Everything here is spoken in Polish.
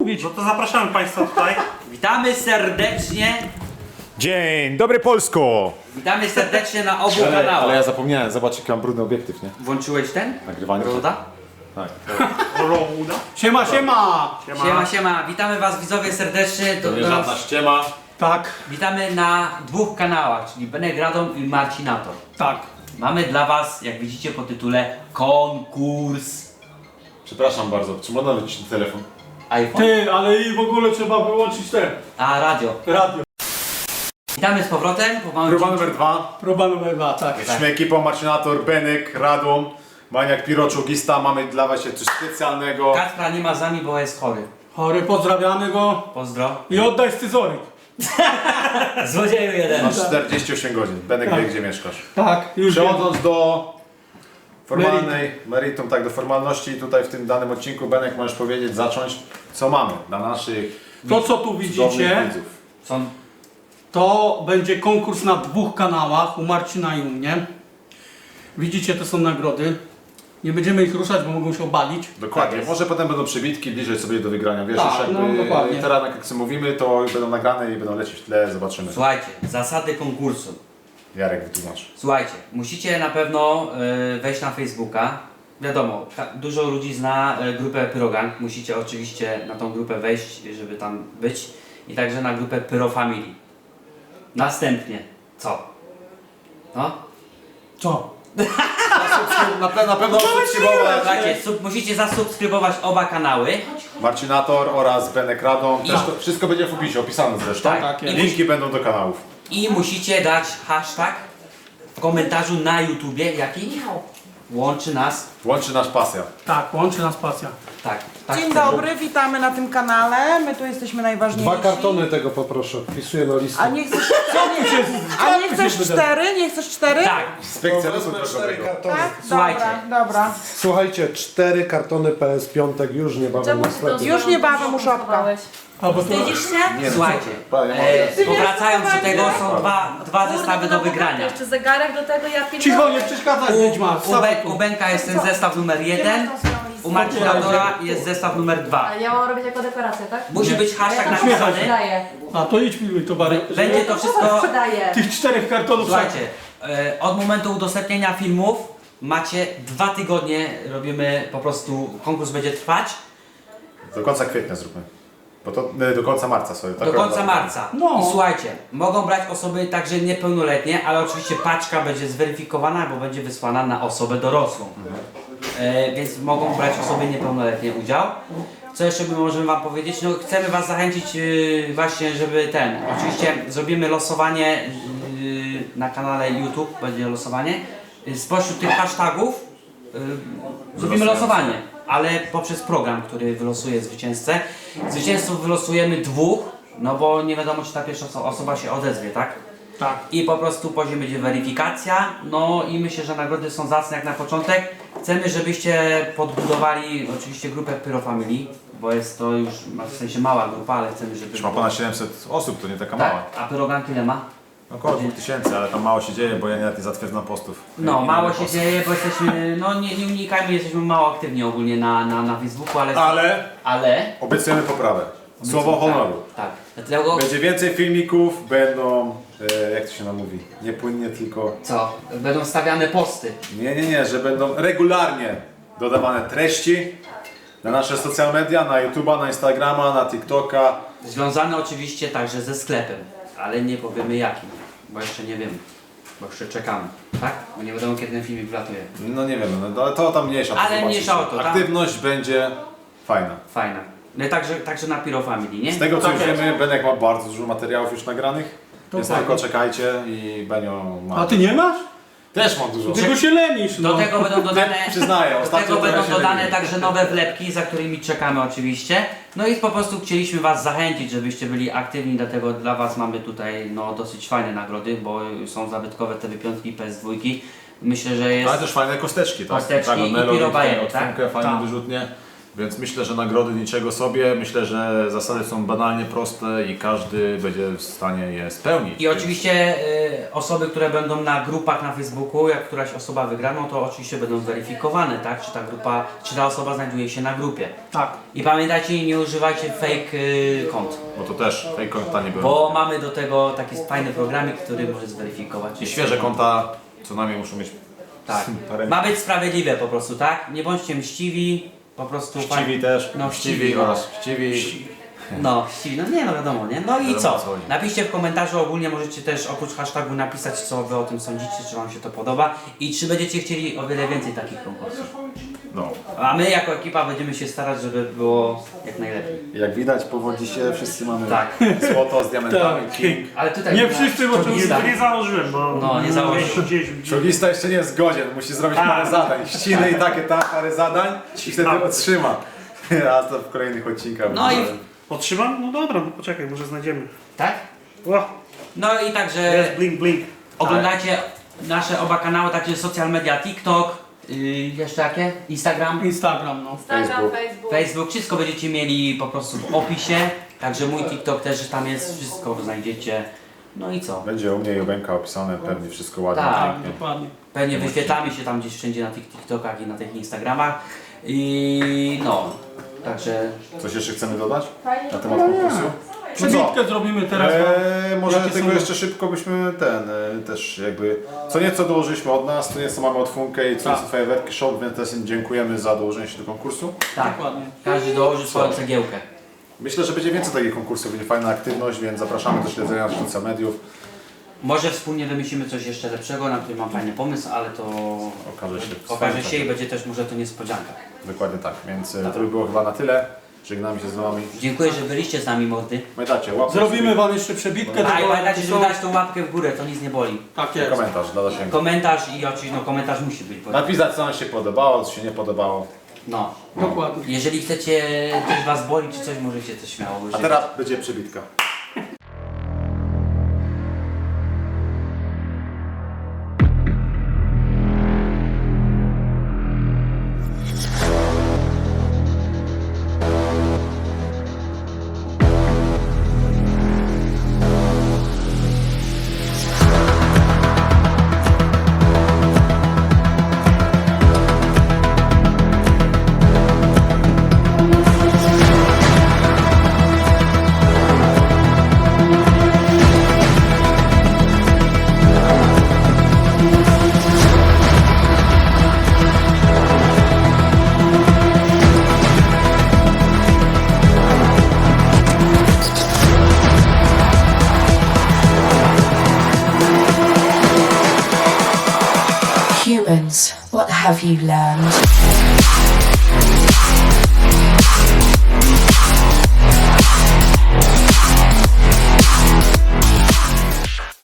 mówić. No to zapraszamy Państwa tutaj. Witamy serdecznie. Dzień dobry Polsko! Witamy serdecznie na obu Ale kanałach. ja zapomniałem, zobacz jaki mam brudny obiektyw, nie? Włączyłeś ten? Nagrywanie. Roda? Tak. Rołuda. Siema, siema. Siema. Witamy was widzowie serdecznie. To nie żadna ściema. Tak, Witamy na dwóch kanałach, czyli Benek Radom i Marcinator. tak. Mamy dla was, jak widzicie po tytule, konkurs. Przepraszam bardzo, czy można wyciszyć telefon? iPhone, Ty, ale i w ogóle trzeba wyłączyć te a radio. radio. Witamy z powrotem. Po małym Próba cięciu. numer 2. Próba numer 2, tak. Jesteśmy ekipą Marcinator, Benek, Radom, Maniak, Piroczugista. Mamy dla was coś specjalnego. Kacpra nie ma z nami, bo jest chory. Chory, pozdrawiamy go Pozdro. i oddaj scyzoryk. Złodzieju jeden. Masz 48 godzin. Benek wie, gdzie mieszkasz. Tak, już wiem. Przechodząc do formalnej, meritum, tak, do formalności, tutaj w tym danym odcinku, Benek, możesz powiedzieć, zacząć, co mamy dla naszych To co tu cudownych widzicie, widzów. Są to będzie konkurs na dwóch kanałach, u Marcina i u mnie. Widzicie, to są nagrody. Nie będziemy ich ruszać, bo mogą się obalić. Dokładnie, Tak jest. może potem będą przybitki, bliżej sobie do wygrania, wiesz, Tak, już no, jakby dokładnie. teraz jak sobie mówimy, to będą nagrane i będą lecieć w tle, zobaczymy. Słuchajcie, zasady konkursu. Jarek wytłumacz. Słuchajcie, musicie na pewno wejść na Facebooka. Wiadomo, dużo ludzi zna grupę Pyrogang. Musicie oczywiście na tą grupę wejść, żeby tam być. I także na grupę Pyro Family. Następnie, co? No? Co? Na pewno subskrybować Słuchajcie, musicie zasubskrybować oba kanały. Marcinator oraz Benek Radom, też No. to wszystko będzie w opisie, opisane zresztą. Tak, jest. Linki będą do kanałów. I musicie dać hashtag w komentarzu na YouTubie, jaki łączy nas. Łączy nasz pasja. Tak, łączy nas pasja. Tak. Dzień chcemy. dobry, witamy na tym kanale. My tu jesteśmy najważniejsi. 2 kartony tego poproszę, wpisuję na listę. A nie chcesz, a nie chcesz 4? Nie chcesz 4? Tak. Inspekcja ruchu Wezmę 4 drogowego. kartony. Tak? Słuchajcie. Dobra. Słuchajcie, 4 kartony PS5 już niebawem na sklepie. Już niebawem u Szopka. Albo to... Wstydzisz się? Nie, Słuchajcie, powracając do tego są dwa zestawy do wygrania. Jeszcze zegarek do tego, ja pierdolę. Cicho, nie przeszkadzaj, wiedźma. U Benka jest ten zestaw numer 1, u Marcinatora jest zestaw numer 2. A ja mam robić jako dekorację, tak? Musi być hashtag Ja to napisany. sprzedaję. A to idź pilnuj towary. Będzie to To wszystko. sprzedaję. Tych 4 kartonów. Słuchajcie, od momentu udostępnienia filmów macie 2 tygodnie, robimy po prostu, konkurs będzie trwać Do końca kwietnia zróbmy. Bo to do końca marca sobie. tak? do końca marca. No. I słuchajcie, mogą brać osoby także niepełnoletnie, ale oczywiście paczka będzie zweryfikowana, bo będzie wysłana na osobę dorosłą. Więc mogą brać osoby niepełnoletnie udział. Co jeszcze możemy wam powiedzieć? No chcemy was zachęcić właśnie, żeby oczywiście zrobimy losowanie na kanale YouTube, będzie losowanie. Spośród tych hashtagów zrobimy losowanie, ale poprzez program, który wylosuje zwycięzcę. Zwycięzców wylosujemy 2, no bo nie wiadomo, czy ta pierwsza osoba się odezwie, tak? Tak. I po prostu później będzie weryfikacja, no i myślę, że nagrody są zacne jak na początek. Chcemy, żebyście podbudowali oczywiście grupę Pyro Family, bo jest to już w sensie mała grupa, ale chcemy, żeby... Już ma ponad 700 osób, to nie taka mała. Tak, a Pyrogang ile ma? Około 2000, ale tam mało się dzieje, bo ja nie zatwierdzam postów. No, Nie mało mam się postów. dzieje, bo jesteśmy, no nie unikajmy, jesteśmy mało aktywni ogólnie na Facebooku, ale... Obiecujemy poprawę. Słowo honoru. Tak, dlatego... Będzie więcej filmików, będą, jak to się nam mówi, nie płynnie, tylko... Co? Będą stawiane posty. Nie, że będą regularnie dodawane treści na nasze social media, na YouTube'a, na Instagrama, na TikToka. Związane oczywiście także ze sklepem, ale nie powiemy jakim, bo jeszcze nie wiemy, bo jeszcze czekamy, tak? Bo nie wiadomo kiedy ten filmik wlatuje. No nie wiem, no, ale to tam mniejsza. to Ale zobaczycie. mniejsza o to, tak? Aktywność będzie fajna. Fajna. No i także na Pyro Family, nie? Z tego co Tak już jest. wiemy, Benek ma bardzo dużo materiałów już nagranych. Więc Dokładnie. tylko czekajcie i Benio ma... A ty nie masz? Też mam dużo. Czego się lenisz, no. Do tego będą dodane, Przyznaję, do ostatnio tego trochę będą się dodane leniłem. także nowe wlepki, za którymi czekamy oczywiście. No i po prostu chcieliśmy was zachęcić, żebyście byli aktywni, dlatego dla was mamy tutaj no, dosyć fajne nagrody, bo są zabytkowe te wypiątki PS2. Myślę, że jest... Ale też fajne kosteczki, tak? Kosteczki i Melody, pirobajeny, tutaj tak? odfunkę, fajnie Tak. wyrzutnie. Więc myślę, że nagrody niczego sobie. Myślę, że zasady są banalnie proste i każdy będzie w stanie je spełnić. I oczywiście osoby, które będą na grupach na Facebooku, jak któraś osoba wygra, no to oczywiście będą zweryfikowane, tak? Czy ta grupa, czy ta osoba znajduje się na grupie. Tak. I pamiętajcie, nie używajcie fake kont, Bo to też fake konta nie były. bo mamy do tego taki fajny programik, który może zweryfikować. I świeże konta co najmniej muszą mieć Tak. parę... Ma być sprawiedliwe po prostu, tak? Nie bądźcie mściwi, po prostu... Chciwi też. No, Chciwi no. oraz chciwi. No, chciwi, no nie, no wiadomo, nie? No i Wiadomo, co? o co chodzi. Napiszcie w komentarzu, ogólnie możecie też oprócz hashtagu napisać, co wy o tym sądzicie, czy wam się to podoba i czy będziecie chcieli o wiele więcej takich konkursów. No. A my jako ekipa będziemy się starać, żeby było jak najlepiej. Jak widać powodzi się, wszyscy mamy Tak. złoto z diamentami. Tak. King. Ale tutaj... Nie wszyscy, bo to Czołgista. Nie założyłem, bo... No, nie założył. Gdzieś. Czołgista jeszcze nie jest godzien, musi zrobić parę zadań. Ściny i takie parę zadań i wtedy otrzyma. A to w kolejnych odcinkach. No i... Otrzymam? No dobra, no poczekaj, może znajdziemy. Tak? O, No i także jest blink, blink. oglądajcie nasze oba kanały, także social media, TikTok, jeszcze jakie? Instagram? Instagram, no. Instagram, Facebook. Facebook, wszystko będziecie mieli po prostu w opisie, także mój TikTok też tam jest, wszystko znajdziecie. No i co? Będzie u mnie i u Benka opisane, pewnie wszystko ładnie. Tak. Tak, pięknie. dokładnie. Pewnie wyświetlamy się tam gdzieś wszędzie na tych TikTokach i na tych Instagramach. I no, także Coś jeszcze chcemy dodać Fajnie. na temat konkursu? Przebitkę zrobimy teraz. Może Jakie tylko są- jeszcze szybko byśmy też jakby co nieco dołożyliśmy od nas, co nieco mamy od Funkę i co nieco Fajerwerki Shop, więc też im dziękujemy za dołożenie się do konkursu. tak, Dokładnie. każdy dołoży swoją cegiełkę. Myślę, że będzie więcej takich konkursów, będzie fajna aktywność, więc zapraszamy do śledzenia naszych social mediów. Może wspólnie wymyślimy coś jeszcze lepszego, na który mam fajny pomysł, ale to okaże się i będzie też może to niespodzianka. Dokładnie tak, więc to by było chyba na tyle. Żegnamy się z wami. Dziękuję, że byliście z nami, mordy. Pamiętajcie, łapkę Zrobimy wam jeszcze przebitkę. A i tego pamiętajcie, żeby napisu. dać tą łapkę w górę, to nic nie boli. Tak i jest. komentarz dla zasięgu. Komentarz i oczywiście, no komentarz musi być. Bo, Napisać co nam się podobało, co się nie podobało. no. Dokładnie. Jeżeli chcecie, coś was boli czy coś, możecie to śmiało A użyć. teraz będzie przebitka. Humans, what have you learned?